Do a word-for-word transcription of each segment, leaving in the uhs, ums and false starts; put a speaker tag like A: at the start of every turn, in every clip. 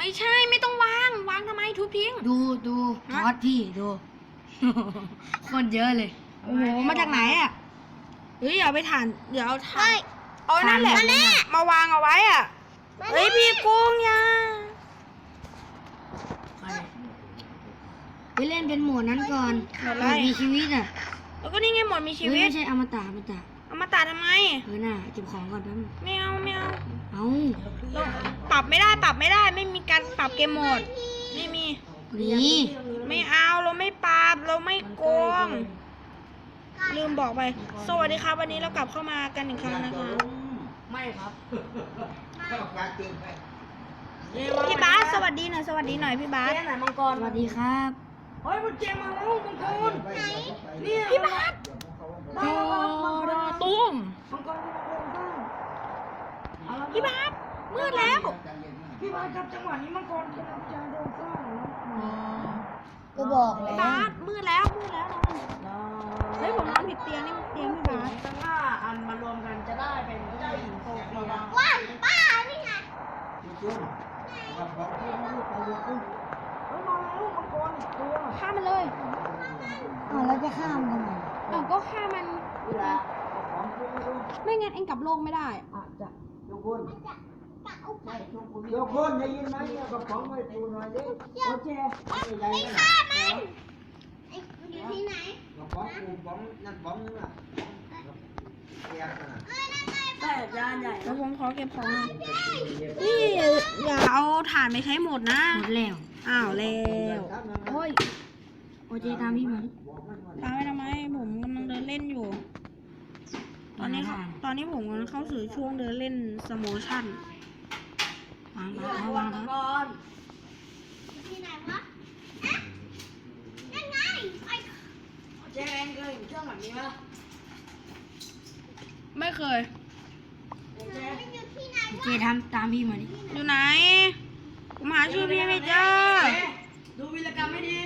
A: ไม่ใช่ไม่ต้องวางวางทำไมทุบทิ้ง
B: ดูดูทอดพี่ดู คนเยอะเลย
A: โอ้โหมาจากไหนอ่ะเฮ้ยเอาไปถ่านเดี๋ยวเอาถ่านเอานั่นแหละมาวางเอาไว้อ่ะเฮ้ยพี่กุ้งยา
B: ไปเล่นเป็นหมวดนั้นก่อนหมวดมีชีวิตอ่ะ
A: แล้วก็นี่ไงหมดมีชีวิต
B: ไม่ใช่อมตะอมตะ
A: เอามาตัดทำไม
B: เออน่ะเก็บของก่อนแป๊บนึง
A: ไม่เอาไม่เอา
B: เอา
A: เราปรับไม่ได้ปรับไม่ได้ไม่มีการปรับเกมโหมดไม่มี
B: นี่
A: ไม่เอาเราไม่ปรับเราไม่โกงลืมบอกไปสวัสดีครับวันนี้เรากลับเข้ามากันอีกครั้งนะคะ
B: ไม่ครับ
A: พี่บาสสวัสดีหน่อยสวัสดีหน่อยพี่บาส
B: เจ๊ไหนมังกรสวัสดีครับเฮ้ยมันเจมาแล้วมังกรนี่พี่บาส
A: โอ้ดอตุ้ม
B: มังกรมังกร
A: พี่บาสมืดแล้ว
B: พี่บาสครับจังหวะนี้มังกรกำลังจะโดนสร้างก็บอกแล้
A: พี่
B: ว
A: บาสมืดแล้วมืดแล้วนอนเฮ้ยผมนอนผิดเตียงนี่เตียงพี่บาส
B: ตั้งห้าอันมารวมกันจะได้เป็นเจ้าหญิงโซเฟีย
C: ว่านป้านี่ไง
A: ฆ่ามันเลย
B: อ๋อแล้วจะข้ามกันไหม
A: เออก็ฆ่ามันไม่งั้นเองกลับโลกไม่ได้
B: อาจจะ
C: จะเอาไป
D: โยกคนได้ยินไหมเนี่ยกระป๋องไว้ปูหน่อยดิ
B: โอเค
C: ไม่ฆ่ามันไอ้มันอยู่ที่ไหน
D: กระป๋องปูป๋องนั่นป๋องนึงอ่ะแยกกันอ่ะ
C: เอ้ยนั่นไง
B: แต่จานใหญ่
A: แล้วผมขอเก็บของหน่อยนี่อย่าเอาถ่านไปใช้หมดนะ
B: หมดแล้ว
A: อ้าวแล้ว
B: โอ้ยโอเคตามพี่มาดิ
A: ตามไปทำไมผมกำลังเดินเล่นอยู่ ตอนนี้เขาตอนนี้ผมกำลังเข้าสู่ช่วงเดินเล่นสโมชั่น
B: วางวางวางก่อน
C: อยู่ที่ไหนวะอะนั่นไงไอ้
B: เจ๊เองเคยเห็นเครื่องแบบนี้ไหม
A: ไม่เคย
B: เจ๊
C: มันอยู่ที่ไหน
B: เจ๊ทำตามพี่มาดิ
A: อยู่ไหน ผมหาชื่อพี่ไม่เจอ
B: ดูวีรกรรมไม่ดี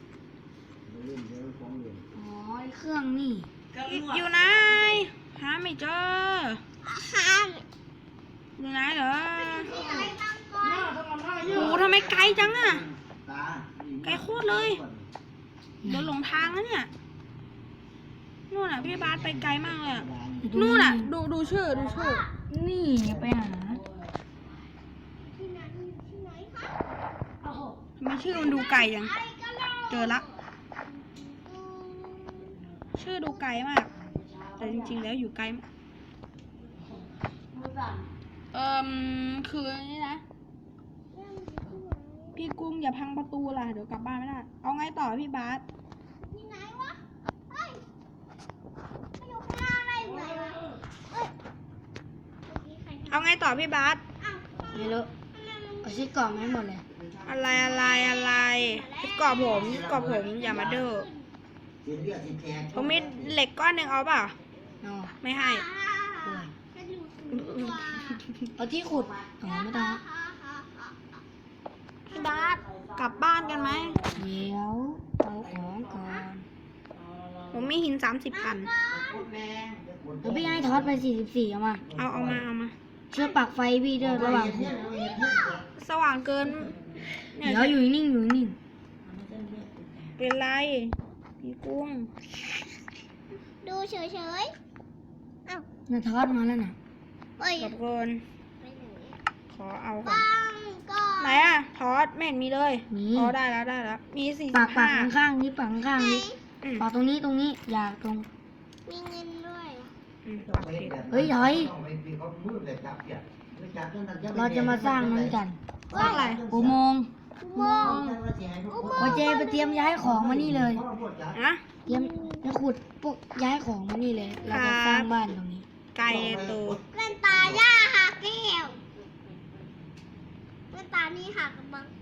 B: อ๋อไอ้เครื่องนี่
A: อยู่ไหน หาไม่เจอ
C: หา
A: อยู่ไหนเหรอ
C: ที่ไหนบางก
B: หน้าทำมันหน้าเย
A: โอ้
B: อะ
A: โหทำไมไกลจังอะ
D: ตา
A: ไกลโคตรเลยเดินหลงทางแล้วเนี่ย นู่นน่ะพี่บาสไปไกลมากเลยอะนู่นน่ะ ดูดูชื่อดูชื่อ
B: นี่ไปหา
C: ที่ไหนอยู่ที่ไหนคะ
A: ทำไมชื่อมันดูไกลจัง
C: ไอ้กะโหลก
A: เจอละ
C: อืม
A: ชื่อดูไกลมาก แต่จริงๆแล้วอยู่ไกลมากเอ่มคือนี่นะ พี่กุ้งอย่าพังประตูล่ะ เดี๋ยวกลับบ้านไม่ได้ เอาไงต่อพี่บาส
C: ที่ไหนวะเฮ้ยมันอยู่ข้างล่างได้ไหนวะเฮ้ยเมื่อกี้ใครทำ
A: เอาไงต่อพี่บาส
C: อ้าว
B: ไม่รู้
C: ทำไมมัน
B: เอาชิ้นกล่องให้หมดเลย
A: อะไรอะไรอะไรกรอบผมกรอบผมอย่ามาเด้อ
D: สินเลือดสินแทง
A: ผมมีเหล็กก้อนหนึ่งเอาเปล่า
B: เอา
A: ไม่ให้
C: อ่าจะอยู่สูงกว่า
B: เอาที่ขุดอ๋อไม่ต้อง
A: พี่บาสกลับบ้านกันไหม
B: เดี๋ยวเอาของก่อน
A: ผมมีหินสามสิบอัน
B: แล้วพี่ให้ทอดไปสี่สิบสี่เอามา
A: เอาเอามาเอามา
B: เชื่อปักไฟพี่ด้วยระหว่างขุด
A: สว่างเกินเนี่ย
B: เดี๋ยวอยู่นิ่งอยู่นิ่ง
A: เป็นไร พี่กุ้ง
C: ดูเฉยๆอ้าว
B: น่ะทอดมาแล้วน่ะ
C: เอ้ย
A: กับเกิน
C: ไปไหน
A: ขอเอาก่อน
C: บ้างก็
A: ไหนอะทอดไม่เห็นมีเลย
B: นี่
A: อ๋อได้แล้วได้แล้ว มีสี่
B: ปั
A: สิ
B: ก
A: บ
B: ปั
A: ห้าก
B: ข้างๆนี้ปักข้างๆนี้
A: อืม
B: ปักตรงนี้ตรงนี้อย่าตรง
C: มีเงินด้วย
A: อืม
B: เฮ้ยถอย เราจะมาสร้างนั้นกัน
A: สร้างอะไร
B: อุโมงค์
C: มอง
B: โอเจไปเตรียมย้ายของมานี่เลย
A: นะ
B: เตรียมจะขุดพวกย้ายของมานี่เลย เราจะสร้างบ้านตรงนี้
A: ไก่ตัว
C: แว่นตาย่าหักแก้วแว่นตานี่หักบัง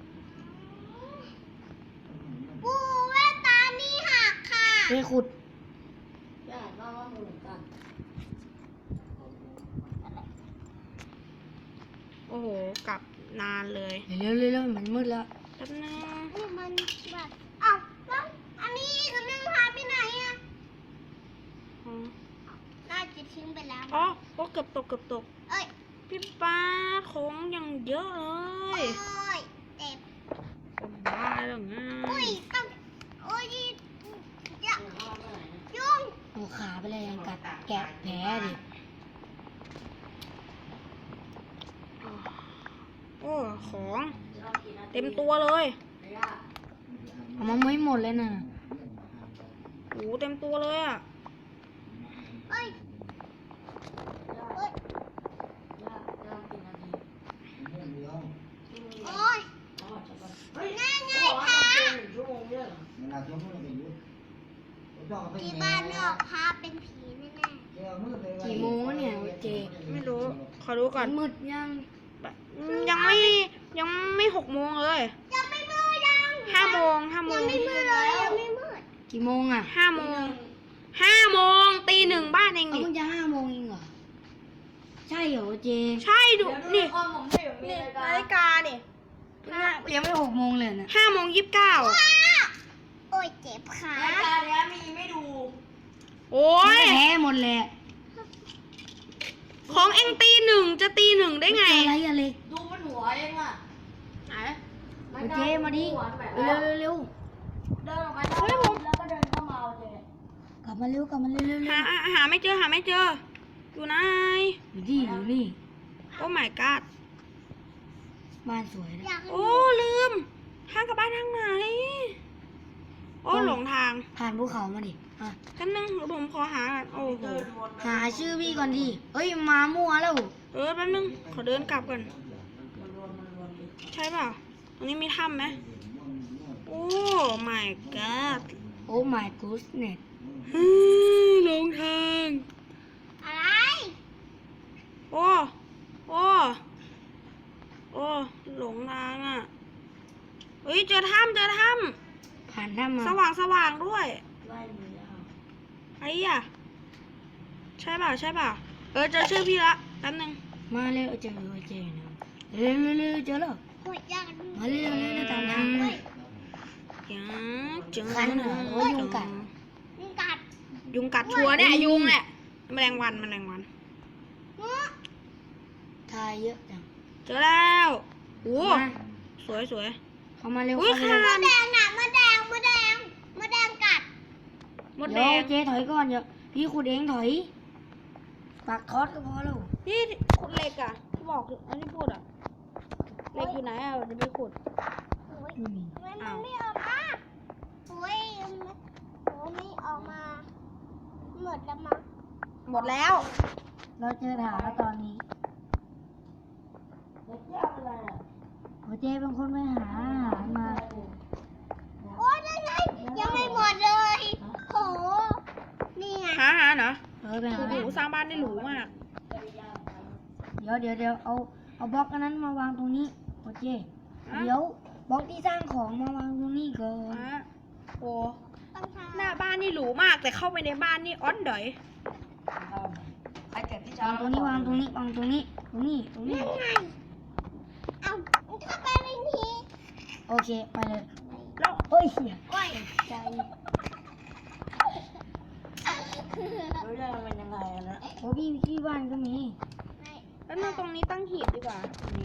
C: ปูแว่นตานี่หักค่ะ
B: ไปขุด
A: โอ้โหกลับนานเลย
B: เร็วๆเร็วๆมันมืดแล้ว
A: แป๊บนึง
C: นี่มันแบบอ้าวแล้วอันนี้อีกอันนึงหายไปไหนอ่ะ
A: อ๋อ
C: น่าจะทิ้งไปแล้ว
A: อ๋อโอ้เกือบตกเกือบตก
C: เอ้ย
A: พี่ป้าของอย่างเยอะเล
C: โอ้
A: ย
C: ยเจ็บ
A: เป็นบ้าหรือไง
C: อุ้ยต้องโอ้ยอย่ายุ่ง
B: เอาขาไปเลยยังกัดแกะแผลดิ
A: โอ้ของเต็มตัวเลย
B: เอามาไม่หมดเลยน่ะ
A: โอ้เต็มตัวเลยอ่ะ
C: เอ้ยเอ้ยโอ้ยง่ายง่ายพาที่บ้านนอกพาเป็นผีแน่
B: กี่โมงเนี่ยเจ
A: ไม่รู้ ขอดูก่อน
B: มืดยัง
A: ยังไม่ยังไม่หกโมงเลย
C: ๆยังไม่มืดยัง
A: ห้าโมงห้าโม
C: ยัง
A: ง
C: ไม่มืดเลยยังไม่มืด
B: กี่โมงอ่ะ
A: ห้าโมงห้าโมงตีหนึ่งบ้านเอง
B: เอา
A: นี่
B: เพิ่งจะห้าโมงเองเหรอใช่เหรอเจ
A: ใช่ดูนี่นี่นาฬิกานี่
B: ยังไม่หกโมงเลยนะ
A: ห้าโมงยี่สิบเก้า
C: โอ้ยเจ็บขา
A: โอ้ย
B: แพ้หมดแหละ
A: ของเองตีหนึ่งจะตีหนึ่งได้ไง
B: อะไรอะไร
E: ดูมันหัวเองอ่ะ
A: ไหน
B: เอาเจมาดิเร็วเร็วเร็ว
E: เดินออกไปแล้วก็เดินเข้ามาเอาเจ
B: กลับมาเร็วกลับมาเร็วเร็วเร็
A: หาว หาไม่เจอหาไม่เจอ อยู่ไหน
B: อยู่นี่อยู่นี่
A: โอ้ my god
B: บ้านสวยนะ
C: อยาก
A: โอ้ลืมทางกลับบ้านทางไหน โอ้หลงทาง
B: ผ่านภูเขามาดิอ่ะ
A: กันนึงเดี๋ยวผมขอหาก่อนโอ้โห
B: หาชื่อพี่ก่อนดิเอ้ยมามั่วแล้ว
A: เออแป๊บนึงขอเดินกลับก่อนใช่เปล่าตรงนี้มีถ้ำไหมโอ้ my god
B: โอ้ my goodness
A: ฮึหลงทาง
C: อะไร
A: โอ้โอ้โอ้หลงทางอ่ะเฮ้ยเจอถ้ำเจอถ้
B: ผ่านถ้ำมา
A: ำสว่างสว่างด้วย
E: ไล่มือแล้ว
A: ไอ้อ่ะใช่เปล่าใช่เปล่าเออเจอชื่อพี่ละแป๊บนึง
B: มาเร็วเจอเจอนะเร็วเร็วเร็วเจอแล้ว
C: โอ้ยอยากดู
B: มาเร็วเร็วเร็วตามทาง
C: เฮ้ย
A: อย่าเจอ
B: คันเหรอโอ้ยยุงกัด
C: มึงกัด
A: ยุงกัดชัวร์เนี่ยยุงเนี่ยแมลงวันแมลงวัน
C: มึง
B: ทายเยอะจัง
A: เจอแล้วโอ้
B: มา
A: สวยสวย
B: เข้ามาเร็ว
A: อุ้ย
B: เข้า
A: ค่ะ
B: มาเร็ว
C: มะแดงน่ะมะแดงมะแดงมะแดงกัด
A: มดแด
B: เดี๋ยว
A: ง
B: เจ๊ถอยก่อนเดี๋ยวพี่ขุดเองถอยปักคอสก็พอแล้ว
A: พี่ขุดเหล็กอ่ะที่บอกอันนี้พูดอ่ะเหล็กอยู่ไหนอ่ะจะไปขุด
C: โอ้ย
B: ไม่มี
C: ทำไมมันไม่ออกมาโอ้ยมันโอ้ไม่ออกมาหมดแล้วมั้ง
A: หมดแล้ว
B: เราเจอฐานแล้วตอนนี้
E: เด็กยาอะไรอ่ะ
B: โอ้เจ๊เป็นคนไปหาอาหารมา
C: โอ้ยยังไงยังไม่หมดเลยโหนี่ไง
A: หาหาเหรอ
B: เออไปหา
A: โอ้โหสร้างบ้านได้หรูมาก
B: เดี๋ยวเดี๋ยวเดี๋ยวเอาเอาบล็อกอันนั้นมาวางตรงนี้โอเคเดี๋ยวบล็อกที่สร้างของมาวางตรงนี้ก่อน
A: อ่ะโอ้
C: ต้องทำ
A: หน้าบ้านนี่หรูมากแต่เข้าไปในบ้านนี่อ้อนดอย
E: ไอ้เก็บที่
B: วางตรงนี้วางตรงนี้วางตรงนี้ตรงนี้ตรงนี้
C: ยังไงเอาถ้าไปไม่ที
B: โอเคไปเลย
A: แล้ว
B: เฮ้ยเสีย
C: โอ้ย
B: ใจ
E: รู้ได้มันเป็นยังไงอะนะ
B: โอ้พี่ที่บ้านก็มี
A: แล้วนึงตรงนี้ตั้งหีบดีกว่าตรงนี้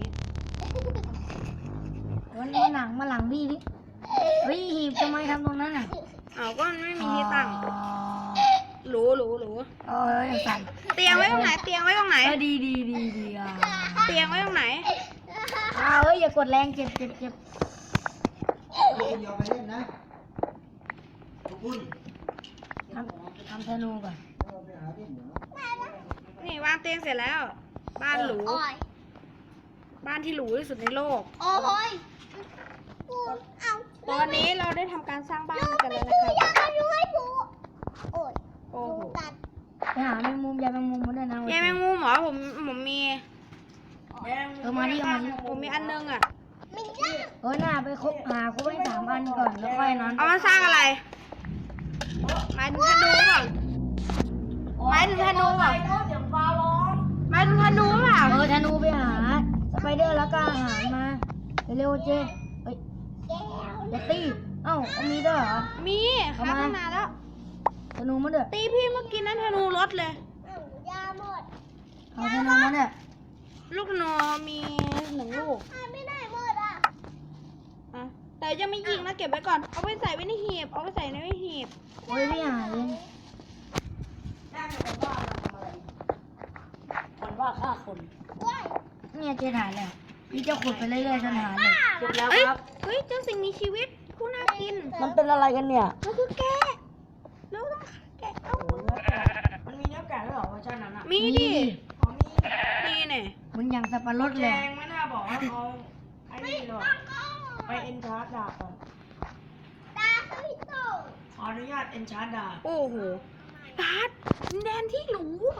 B: วันนี้หลังมาหลังพี่ดิเฮ้ยหีบทำไมทำตรงนั้นอ่ะ
A: เอาก็ไม่มีที่ตั้งหรูหรูหรู
B: เออสั่น
A: เตียงไว้ตรงไหนเตียงไว้ตรงไหน
B: เออดีดีดีดีอ่ะ
A: เตียงไว้ตรงไหน
B: อ้าวเฮ้ยอย่ากดแรงเจ็บเจ็บเจ็บ
D: คุณยอมไปเล่นนะทุกคน
B: ทำทำธนูก่อน
D: ไปหาเล่นเหรอ
A: นี่วางเตียงเสร็จแล้ว บ้านหรู
C: โอ้ย
A: บ้านที่หรูที่สุดในโลก
C: โอ้ยกูเอา
A: ตอนนี้เราได้ทำการสร้างบ้านกันแล้ว
C: ดู
A: นะ
C: อ
A: ค
C: ยา
A: รับ
C: กดูให้ดูโอ้ย
A: โอ้โห
C: ดูกัด
B: ไปหาแมงมุมยายแมงมุมมาด้วยนะ
A: ยายแมงมุมเหรอผมผมมี
E: แดง
B: เออมาดิเอามาดิ
A: ผมมีอันนึงอ่ะ
C: ไม่ได้
B: เออหน้าไปครบหาครบไปสามอันก่อนแล้วค่อยนอน
A: เอามาสร้างอะไรหมายถึงธนูเปล่าหมายถึงธนูเปล่า
E: โอ้เดี๋ยวฟ้าร้อง
A: หมายถึงธนูเปล่า
B: เออธนูไปหาสไปเดอร์แล้วก็อาหารมาเร็วๆเจเฮ้ย
C: แก้ว
B: อย่าตีเอ้าเอามีด้วยเหรอ
A: มีค
B: เอา
A: รับ
B: มา
A: ตั้งนานแล้ว
B: ธนูมาด้วย
A: ตีพี่เมื่อกี้นั้นธนูรถเลย
C: เอายาหมด
B: เอาธนูมาด้วย
A: ลูกโนมีหนึ่งลูก
C: หายไม่ได้หมดอ่ะ
A: อ่ะแต่ยังไม่ยิงนะเก็บไว้ก่อน เอาไปใส่ไว้ในหีบ เอาไปใส่ในหีบ
B: โอ้ยพี่หาเลย
E: ได้เป็นว่าเราทำอะไรคนว่าฆ่าคน
C: ว้าย
B: เนี่ยเจถ่ายแล้วพี่จะขุดไปเรื่อยๆจนหาเลย
E: เสร็จแล้ว
A: เอ้ย
E: ครับ
A: เฮ้ยเจ้าสิ่งมีชีวิตผู้น่ากิน
E: มันเป็นอะไรกันเนี่ย
A: มันคือแกะแล้วต้องแกะเอา
E: โอ้โหเนื้อแกะมันมีเนื้อแกะด้วยเหรอเวอร์ชันนั้นอ่ะ
A: มีดิ
E: อ๋อมี
A: นี่เนี่ย
B: เหมันอย่างสับปะรด
E: แจ
B: เลย
E: งไม่น่าบอกว่าเขาไอ้นี่หรอกไปเอ็นชาร์ดดาบก่อน
C: ตาสวิตโต
E: ขออนุญาตเอ็นชาร์ดดาบ
A: โอ้โหบาสดินแดนที่หรู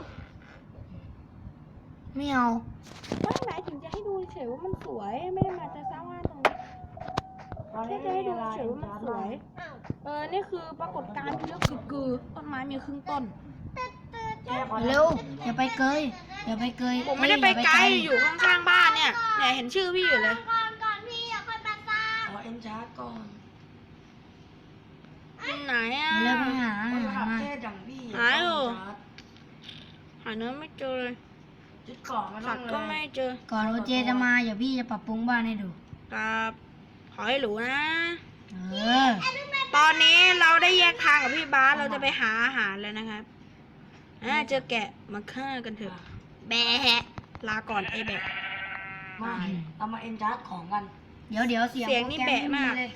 B: ไม่เอา
A: ไม่หมายถึงจะให้ดูเฉยว่ามันสวย ไม่ได้มาจะสร้างบ้านตรงนี้
E: ตอน
A: แค่
E: นี้
A: จะ
E: ไม่
A: ให้
E: มี
A: ดู
E: เวลา
A: เฉ
E: เอ็
A: ย
E: น
A: ว่ามัน
E: ชาร์ด
A: สวย เออ นี่คือปรากฏการณ์ที่เรียกคือคือต้นไม้มีครึ่งต้น
E: แกขอ
B: เร็วอย่าไปเกยอย่าไปเกย
A: ผมไม่ได้ไปไกล
B: เอ้ย
A: อยู่ข้างๆบ้านเนี่ยเนี่ยเห็นชื่อพี่อยู่เลย
C: ก่อนก่อนพี่อย่าค่อยมาสร้าง
E: ขอเอ็นชาร์ดก่อน
A: อยู่ไหนอ่ะ
B: อย่าไปหา
E: คนระ
B: หา
E: ดับ
B: มา
E: เทพอย่างพี่
A: หาอยู่
E: เนชาร์ด
A: หาเนื้อไม่เจอเลย
E: ยึดกล่องมาต้
A: สั
E: อ
A: ต
E: ง
A: ว์
E: เล
A: ก็
E: ย
A: ไม่เจอ
B: ก่อนโอเจจะมาเดี๋ยวพี่จะปรับปรุงบ้านให้ดู
A: ครับขอให้หรูนะ
B: เออ
A: ตอนนี้เราได้แยกทางกับพี่บาสเราจะไปหาอาหารแล้วนะครับอ่าเจอแกะมาฆ่ากันเถอะ แบะลาก่อนไอ้แบะ
E: มาเรามาเอ็นชาร์ดของกัน
B: เดี๋ยวเดี๋ยวเสียง
A: เสียงนี่
B: โปรร
A: แบะมาก
B: เลย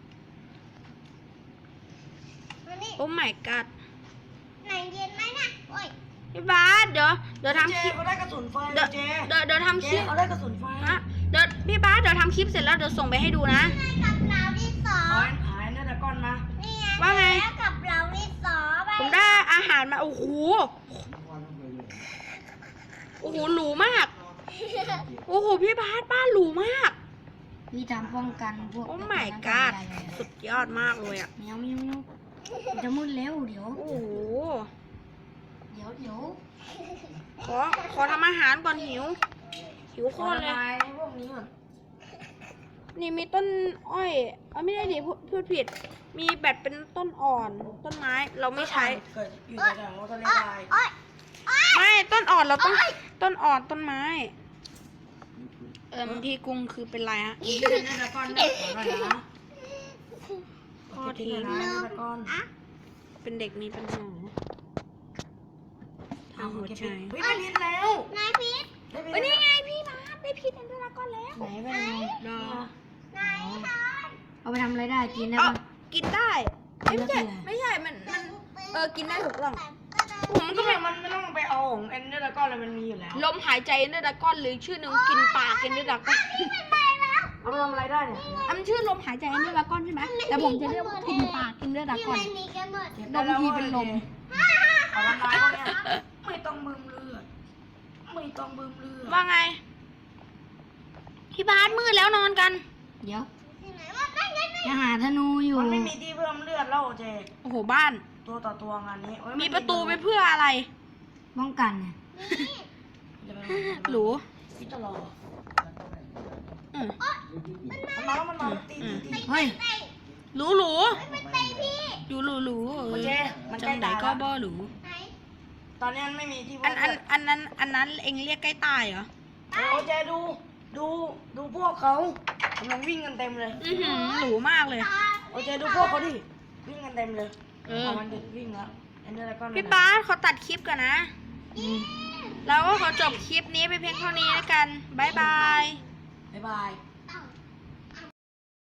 C: มานี่
A: โอ้ my god
C: ไหนเย็นไหมนะโอ้ย
A: พี่บาสเดี๋ยวเดี๋ยวทำ
E: เจ
A: คลิป
E: เขาได้กระสุนไฟ
A: เดี๋ยว
E: เจ
A: เดี๋ยวเดี๋ยวทำค
E: เจ
A: ลิป
E: เขาได้กระสุนไฟ
A: ฮะเดี๋ยวพี่บาสเดี๋ยวทำคลิปเสร็จแล้วเดี๋ยวส่งไปให้ดูนะ
C: ให้กับเราที่สอ
E: หาง ยหายน่าจะก้อนมา
C: นี่ไง
A: ว่าไง
C: แล้วกับเราที่สองไป
A: ผมได้อาหารมา โอ้โห โอ้โห หรูมาก โอ้โห พี่บาสบ้านหรูมาก
B: พี่ทำป้องกันพวก
A: โอ้ my god สุดยอดมากเลยอ่ะ
B: แมวแมวแมวจะมืดเร็วเดี๋ยว
A: โอ้โห
B: เดี๋ยวเดี๋ยว
A: ขอ ขอทำอาหารก่อนหิว หิวโค
E: ขอ
A: ตรเลย
E: ระบายพวกนี้ก่อน
A: นี่มีต้นอ้อยเออไม่ได้ดิพูดพูดผิด มีแบบเป็นต้นอ่อน ต้นไม้ เราไม่ใช้
E: เกิดอยู่แถวๆทะเลทราย
C: โอ้ย
A: ไม่ ต้นอ่อนเราต้อง ต้นอ่อนต้นไม้ เออบางทีกรุงคือเป็นไรฮะ
E: อีกนิดนึงนะก้อนนะขอหน่อยนะขอทีนะนะก้อน
A: เป็นเด็กมีปัญหาทางหัวใจ
E: เฮ้ยได้พิษแล้ว
C: นายพีท
E: ได้พิษ
A: เฮ้ยนี่ไงพี่บาสได้พีชแอนเดอร์ดราก้อนแล้ว
B: ไหนไปไหน
A: รอ
C: นายทอน
B: เอาไปทำอะไรได้กินได้
A: เอ๋อ
B: ปะ
A: กินได้เอ้ยไม่ใช่
B: กินแล้วคืออะไร
A: ไม่ใช่ มัน มัน เออ กินได้ถูกต้อง
E: ผม
A: มัน
E: ก็
A: ก็
E: ไม่
A: เป็น
E: มันไม่ต้องไปเอาของเอ็นเดอร์ก้อนเลยมันมีอยู่แล้ว
A: ลมหายใจแอนเดอร์ดราก้อนหรือชื่อหนึ่งกินปากแอนเดอร์ดราก้อน
E: เอาไปทำอะไรได้เนี่ย
A: อันชื่อลมหายใจแอนเดอร์ดราก้อนใช่ไหมแต่ผมจะเรียกว่ากินปากแอนเดอร์ดรา
C: ที่
A: ก้อน
C: มันมีกันหมด
A: ลมทีเป็นลม
E: ขอทำลายพวกเนี้ยไม่ต้องบึมเลือดไม่ต้องบึมเลือด
A: ว่าไง พี่บาสมืดแล้วนอนกัน
B: เดี๋ยว
C: ที่ไหนว่าได้ไงได้
B: จะหาธนูอยู่
E: มันไม่มีที่เพิ่มเลือดแล้วเจ
A: โอ้โห บ้าน
E: ตัวต่อตัวงานนี้โอ้ย
A: มีประตูไปเพื่ออะไร
B: ป้องกันไง
E: จะไป
A: หรู
E: พี่จะรอ
A: อืม
E: มันมาแล้วมันมาตีตีตี
B: เฮ้ย
A: หรูหรู
C: ไม่เตะพี่
A: อยู่หรูหรูเอ
E: โอ
A: อ
E: เคมันใกล้
A: จังไหน
E: ตาย
A: ก็
E: แล้ว
A: บ่หรู
C: ไหน
E: ตอนนี้มันไม่มีที่
A: อั
E: เพิ่
A: น
E: ม
A: อัน
E: เลือด
A: อันนั้นอันนั้นเองเรียกใกล้ตายเหรอ
E: โอเจดูดูดูพวกเขากำลังวิ่งกันเต็มเลย
A: อือหือหรูมากเลย
E: โอเจดูพวกเขาดิวิ่งกันเต็มเลย
A: เออ
E: ามันดึกวิ่งแล้วเอ็นเดอร์ก้อน
A: พี่บาสขอตัดคลิปก่อนนะ แล้วก็ขอจบคลิปนี้ไปเพียงเท่านี้แล้วกัน บ๊ายบาย
E: บ๊ายบาย